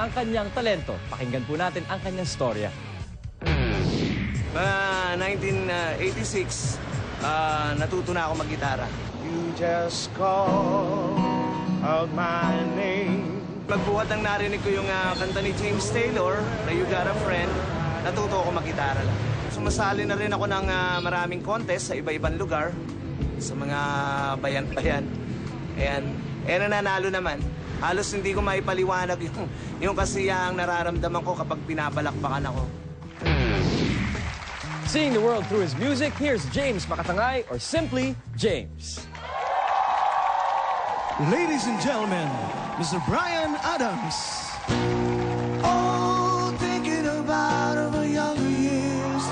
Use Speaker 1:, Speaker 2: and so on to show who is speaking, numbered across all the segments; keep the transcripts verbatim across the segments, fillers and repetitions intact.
Speaker 1: ang kanyang talento. Pakinggan po natin ang kanyang storya.
Speaker 2: Uh, nineteen eighty-six, uh, natuto na ako mag-gitara.
Speaker 3: You just call out my name.
Speaker 2: Pagbuhat ng narinig ko yung uh, kanta ni James Taylor, na You Got a Friend, natuto ako mag-gitara lang. Sumasali na rin ako ng uh, maraming contest sa iba-ibang lugar, sa mga bayan-bayan. Ayan, eh nananalo naman. Halos hindi ko maipaliwanag yung, yung kasiyahang nararamdaman ko kapag pinabalakbakan ako.
Speaker 1: Seeing the world through his music, here's James Makatangay, or simply James.
Speaker 3: Ladies and gentlemen, Mister Bryan Adams.
Speaker 4: Oh, thinking about our younger years,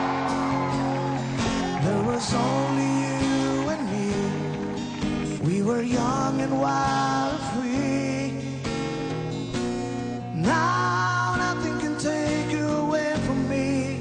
Speaker 4: there was only you and me. We were young and wild and free. Now nothing can take you away from me.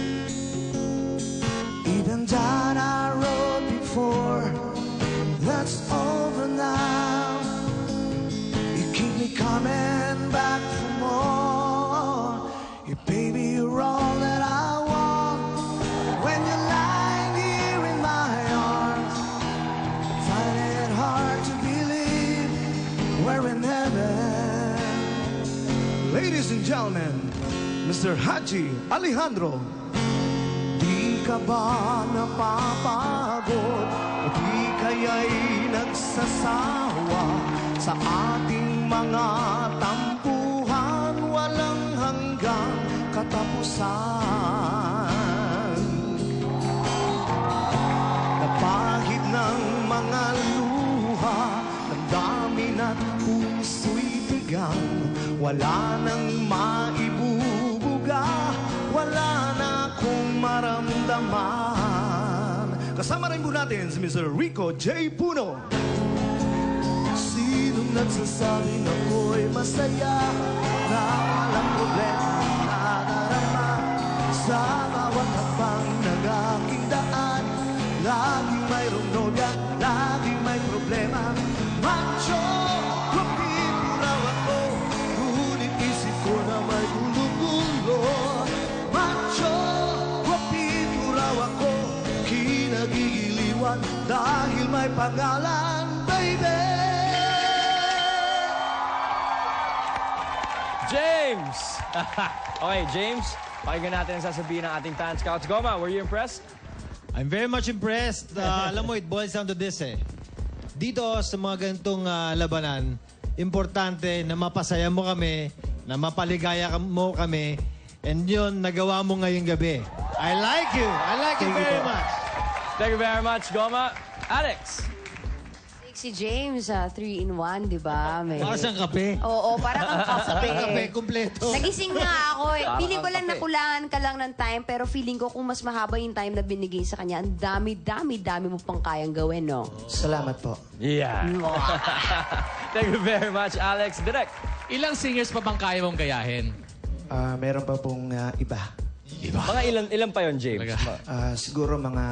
Speaker 4: Even down our road before, that's over now. You keep me coming back for more. Yeah, baby, you're all that I want. When you're lying here in my arms, find it hard to believe we're in heaven.
Speaker 3: Ladies and gentlemen, Mister Haji Alejandro.
Speaker 4: Di ka ba napapagod? O di kaya'y nagsasawa sa ating mga tampuhan, walang hanggang katapusan? Napahid ng mga luha, damdamin at puso'y bigang, wala nang maibubuga, wala na akong maramdaman.
Speaker 3: Kasama rin po natin si Mister Rico J. Puno.
Speaker 4: Sinong nagsasabing ako'y masaya, na walang problema nadarama sa bawat hakbang ng aking daan? Laging mayroong nobya, laging may problema. Macho, guwapito raw ako, ngunit isip ko na may gulo-gulo. Macho, guwapito raw ako, kinagigiliwan dahil may pangalan, baby.
Speaker 1: James! Okay, James, pakinggan natin ang sasabihin ng ating fan scouts. Goma, were you impressed?
Speaker 5: I'm very much impressed. Uh, alam mo, it boils down to this eh. Dito sa mga ganitong uh, labanan, importante na mapasaya mo kami, na mapaligaya mo kami, and yun, nagawa mo ngayong gabi. I like you. I like you very much.
Speaker 1: Thank you very much, Goma. Alex!
Speaker 6: Si James, uh, three in one, di ba? May...
Speaker 5: Para siyang kape.
Speaker 6: Oo, parang ang kape.
Speaker 5: Kape, kumpleto.
Speaker 6: Nagising nga ako eh.
Speaker 1: Parang
Speaker 6: Feeling ko
Speaker 1: ang
Speaker 6: lang
Speaker 1: kape.
Speaker 6: nakulangan ka lang ng time, pero feeling ko kung mas mahaba yung time na binigay sa kanya, ang dami, dami, dami mo pang kayang gawin, no?
Speaker 4: Salamat po.
Speaker 1: Yeah. Thank you very much, Alex. Direct.
Speaker 7: Ilang singers pa bang kaya mong gayahin?
Speaker 4: Ah, meron pa pong ah, iba.
Speaker 1: Mga ilan, ilan pa yon James?
Speaker 7: Talaga?
Speaker 4: Ah, siguro mga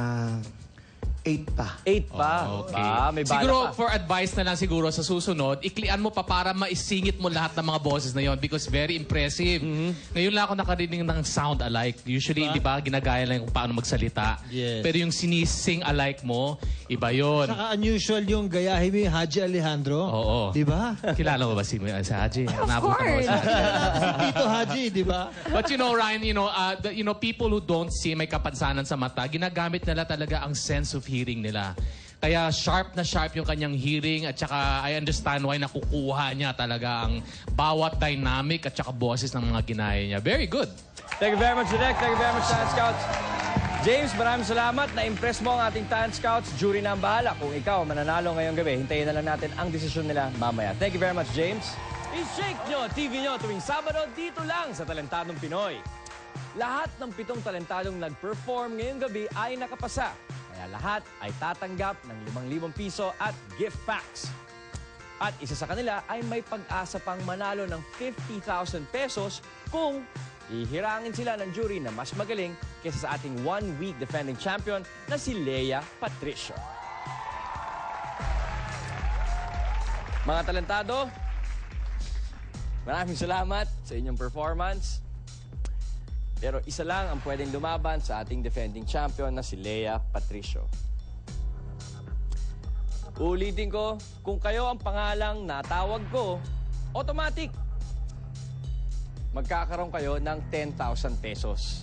Speaker 4: eight pa.
Speaker 1: Eight pa.
Speaker 7: Oh, okay.
Speaker 1: Ah, may bala
Speaker 7: Siguro,
Speaker 1: pa.
Speaker 7: for advice na lang siguro sa susunod, iklian mo pa para maisingit mo lahat ng mga boses na yon because very impressive. Ngayon lang ako nakarinig ng sound alike. Usually, di ba, ginagaya lang kung paano magsalita.
Speaker 5: Yes.
Speaker 7: Pero yung sinising alike mo, iba yon.
Speaker 5: Saka unusual yung gayahin mo yung Haji Alejandro.
Speaker 7: Oo.
Speaker 5: Di ba?
Speaker 7: Kilala mo ba si, si Haji?
Speaker 6: Of
Speaker 7: Naabutan mo ba
Speaker 6: course.
Speaker 7: si Haji?
Speaker 5: Si Tito Haji, di ba?
Speaker 7: But you know, Ryan, you know, uh, the, you know, people who don't see may kapansanan sa mata, ginagamit nila talaga ang sense of hearing nila. Kaya sharp na sharp yung kanyang hearing at saka I understand why nakukuha niya talaga ang bawat dynamic at saka boses ng mga ginaya niya. Very good.
Speaker 1: Thank you very much, Direk. Thank you very much, Talent Scouts. James, maraming salamat. Na-impress mo ang ating Talent Scouts. Jury na ang bahala. Kung ikaw mananalo ngayong gabi, hintayin na lang natin ang desisyon nila mamaya. Thank you very much, James. I-shake nyo T V nyo tuwing Sabado dito lang sa Talentadong Pinoy. Lahat ng pitong talentadong nag-perform ngayong gabi ay nakapasa. Kaya lahat ay tatanggap ng limang libong piso at gift packs. At isa sa kanila ay may pag-asa pang manalo ng fifty thousand pesos kung ihirangin sila ng jury na mas magaling kaysa sa ating one-week defending champion na si Leia Patricio. Mga talentado, Maraming salamat sa inyong performance. Pero isa lang ang pwedeng lumaban sa ating defending champion na si Lea Patricio. Uulitin ko, kung kayo ang pangalang natawag ko, automatic, magkakaroon kayo ng ten thousand pesos.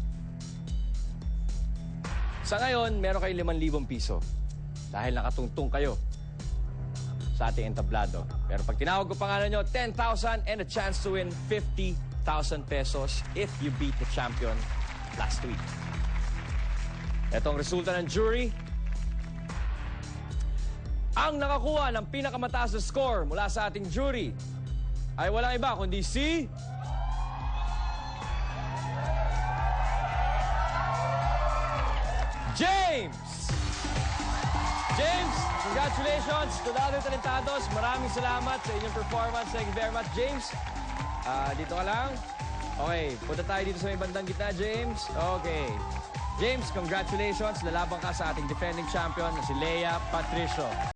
Speaker 1: Sa ngayon, meron kayo limang libong piso dahil nakatungtong kayo sa ating entablado. Pero pag tinawag ko pangalan nyo, ten thousand and a chance to win fifty thousand pesos if you beat the champion last week. Ito ang resulta ng jury. Ang nakakuha ng pinakamataas na score mula sa ating jury ay walang iba kundi si... James! James, congratulations to the other talentados. Maraming salamat sa inyong performance. Thank you very much, James. Ah, dito ka lang. Okay, punta tayo dito sa may bandang gitna, James. Okay. James, congratulations. Lalaban ka sa ating defending champion na si Lea Patricio.